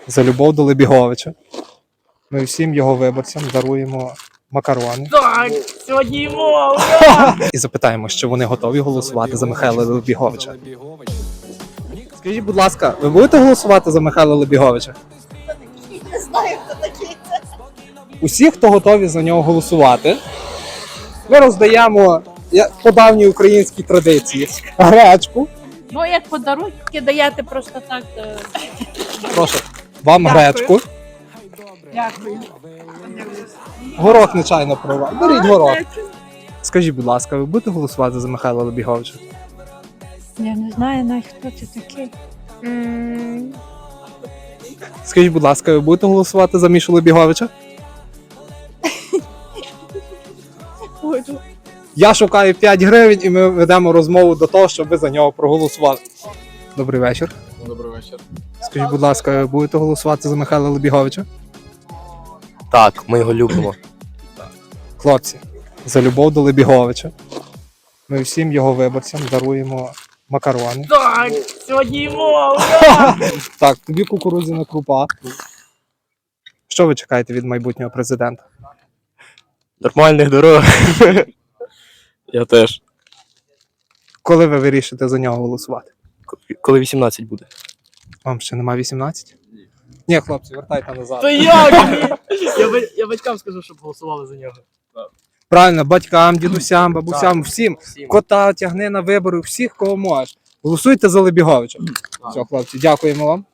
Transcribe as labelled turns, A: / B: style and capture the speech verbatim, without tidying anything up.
A: за любов до Лебіговича. Ми всім його виборцям даруємо макарони.
B: Так, сьогодні йому!
A: І запитаємо, чи вони готові голосувати за Михайла Лебіговича. Скажіть, будь ласка, ви будете голосувати за Михайла Лебіговича?
C: Не знаю, хто такий це.
A: Усі, хто готові за нього голосувати, ми роздаємо я- по давній українській традиції гречку.
B: Ну, як подарунки даєте просто так. то-
A: Прошу, вам
B: Дякую.
A: гречку.
B: Дякую.
A: Горох нечайно прорвав. Беріть горох. Скажіть, будь ласка, ви будете голосувати за Михайла Лебіговича?
B: Я не знаю навіть, хто це такий.
A: Скажіть, будь ласка, ви будете голосувати за Мішу Лебіговича?
B: Буду.
A: Я шукаю п'ять гривень і ми ведемо розмову до того, щоб ви за нього проголосували. Добрий вечір.
D: Добрий вечір.
A: Скажіть, будь ласка, ви будете голосувати за Михайла Лебіговича?
E: Так, ми його любимо.
A: Хлопці, за любов до Лебіговича. Ми всім його виборцям даруємо макарони.
B: Так, сьогодні йому!
A: Так, тобі кукурудзяна крупа. Що ви чекаєте від майбутнього президента?
E: Нормальних дорог. Я теж.
A: Коли ви вирішите за нього голосувати?
E: Коли вісімнадцять буде.
A: Вам ще нема вісімнадцять? Ні, хлопці, вертайте назад.
B: То як?
D: Я, ба- я батькам скажу, щоб голосували за нього.
A: Правильно, батькам, дідусям, бабусям, всім.
E: Всім.
A: Кота тягни на вибори, всіх, кого можеш. Голосуйте за Лебіговича. Все, хлопці, дякуємо вам.